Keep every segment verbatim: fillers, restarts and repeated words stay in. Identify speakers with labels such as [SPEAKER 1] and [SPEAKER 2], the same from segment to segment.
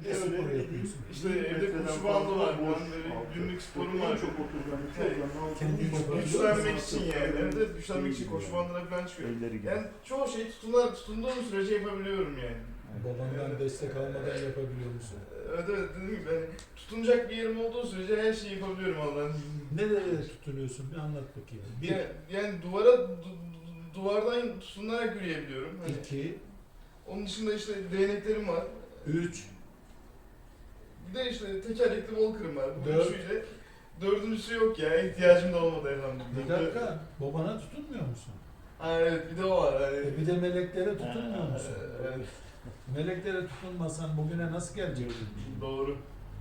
[SPEAKER 1] Ne spor yapıyorsun?
[SPEAKER 2] İşte evde koşu bandı var, ben böyle günlük sporum var.
[SPEAKER 1] Çok oturgan, çok
[SPEAKER 2] Kendini güçlenmek için yani, evde güçlenmek için koşu bandına falan çıkıyor. Yani çoğu şeyi tutunar, tutunduğum sürece yapabiliyorum yani.
[SPEAKER 1] Babandan destek almadan yapabiliyor musun?
[SPEAKER 2] Evet evet, dediğim gibi yani tutunacak bir yerim olduğu sürece her şeyi yapabiliyorum Allah'ın izniyle.
[SPEAKER 1] Nereye tutunuyorsun? Bir anlat bakayım. Bir,
[SPEAKER 2] Yani, yani duvara, du- duvardan tutunarak yürüyebiliyorum. Hani
[SPEAKER 1] iki,
[SPEAKER 2] onun dışında işte değneklerim var.
[SPEAKER 1] üç,
[SPEAKER 2] Bir de işte tekerlekli walker'ım var. Bu
[SPEAKER 1] Dört.
[SPEAKER 2] üçüyle. Dördüncüsü yok ya, ihtiyacım da olmadı elhamdülillah.
[SPEAKER 1] bir dakika. Babana tutunmuyor musun?
[SPEAKER 2] Ha evet, bir de o var. Hani,
[SPEAKER 1] E bir de meleklere tutunmuyor musun?
[SPEAKER 2] evet,
[SPEAKER 1] Meleklere tutunmasan bugüne nasıl gelecektin?
[SPEAKER 2] doğru.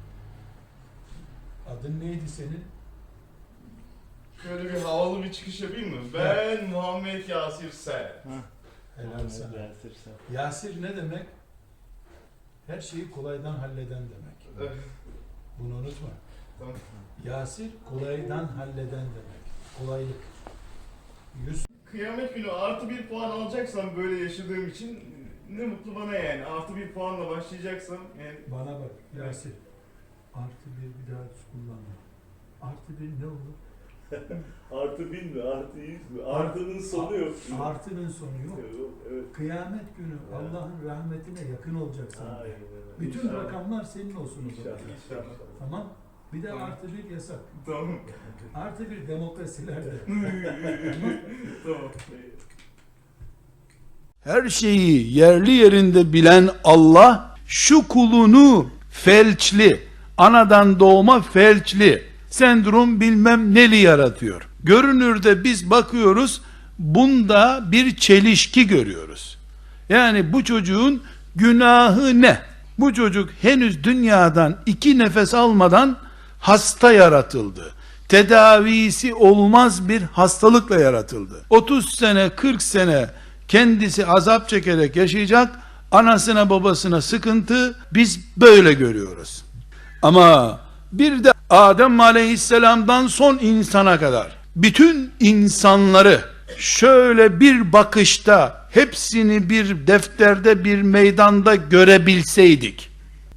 [SPEAKER 1] Adın neydi senin?
[SPEAKER 2] Şöyle bir havalı bir çıkış yapayım mı? Ben Muhammed Yasir Ser.
[SPEAKER 1] Helal sana. Yasir ne demek? Her şeyi kolaydan halleden demek.
[SPEAKER 2] Evet,
[SPEAKER 1] Bunu unutma.
[SPEAKER 2] tamam.
[SPEAKER 1] Yasir kolaydan halleden demek. Kolaylık. Yüz
[SPEAKER 2] Kıyamet günü artı bir puan alacaksam böyle yaşadığım için ne mutlu bana yani. Artı bir puanla başlayacaksam yani.
[SPEAKER 1] bana bak Yasir. Artı bir bir daha kullanma. Artı bir ne olur?
[SPEAKER 3] Artı bin mi? Artı yüz mü? Artının sonu yok.
[SPEAKER 1] Artının sonu yok.
[SPEAKER 3] Yok, evet.
[SPEAKER 1] Kıyamet günü Allah'ın rahmetine yakın olacaksın.
[SPEAKER 3] Aynen öyle.
[SPEAKER 1] Bütün
[SPEAKER 2] İnşallah.
[SPEAKER 1] rakamlar senin olsun o zaman.
[SPEAKER 3] İnşallah.
[SPEAKER 2] İnşallah.
[SPEAKER 1] Tamam. Bir de
[SPEAKER 2] Tamam.
[SPEAKER 1] artı bir yasak.
[SPEAKER 2] Tamam.
[SPEAKER 1] Artı bir demokrasilerde.
[SPEAKER 2] Tamam.
[SPEAKER 4] Her şeyi yerli yerinde bilen Allah şu kulunu felçli, anadan doğma felçli, sendrom bilmem neli yaratıyor. Görünürde biz bakıyoruz, bunda bir çelişki görüyoruz. Yani bu çocuğun günahı ne? Bu çocuk henüz dünyadan iki nefes almadan hasta yaratıldı. Tedavisi olmaz bir hastalıkla yaratıldı. otuz sene, kırk sene kendisi azap çekerek yaşayacak, anasına babasına sıkıntı, biz böyle görüyoruz. Ama bir de Adem Aleyhisselam'dan son insana kadar bütün insanları şöyle bir bakışta hepsini bir defterde, bir meydanda görebilseydik,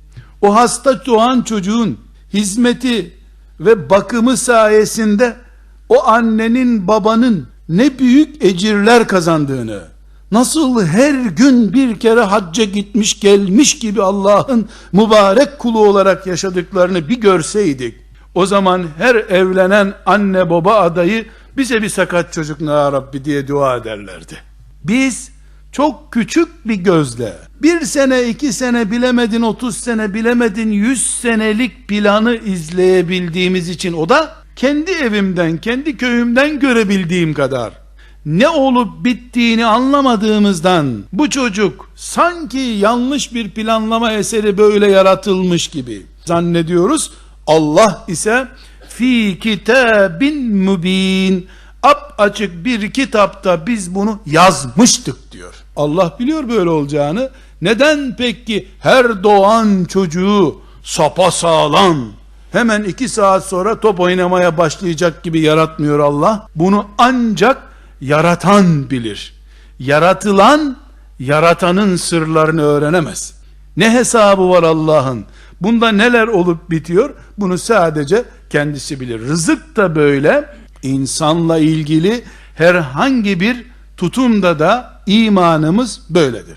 [SPEAKER 4] o hasta doğan çocuğun hizmeti ve bakımı sayesinde o annenin babanın ne büyük ecirler kazandığını, nasıl her gün bir kere hacca gitmiş gelmiş gibi Allah'ın mübarek kulu olarak yaşadıklarını bir görseydik, o zaman her evlenen anne baba adayı bize bir sakat çocuk ya Rabbi diye dua ederlerdi. Biz çok küçük bir gözle bir sene, iki sene bilemedin, otuz sene bilemedin, yüz senelik planı izleyebildiğimiz için, o da kendi evimden, kendi köyümden görebildiğim kadar, ne olup bittiğini anlamadığımızdan bu çocuk sanki yanlış bir planlama eseri böyle yaratılmış gibi zannediyoruz. Allah ise fi kitabin mübin, ap açık bir kitapta biz bunu yazmıştık diyor. Allah biliyor böyle olacağını. Neden peki her doğan çocuğu sapasağlam hemen iki saat sonra top oynamaya başlayacak gibi yaratmıyor Allah? Bunu ancak yaratan bilir. Yaratılan yaratanın sırlarını öğrenemez. Ne hesabı var Allah'ın? Bunda neler olup bitiyor? Bunu sadece kendisi bilir. Rızık da böyle. İnsanla ilgili herhangi bir tutumda da imanımız böyledir.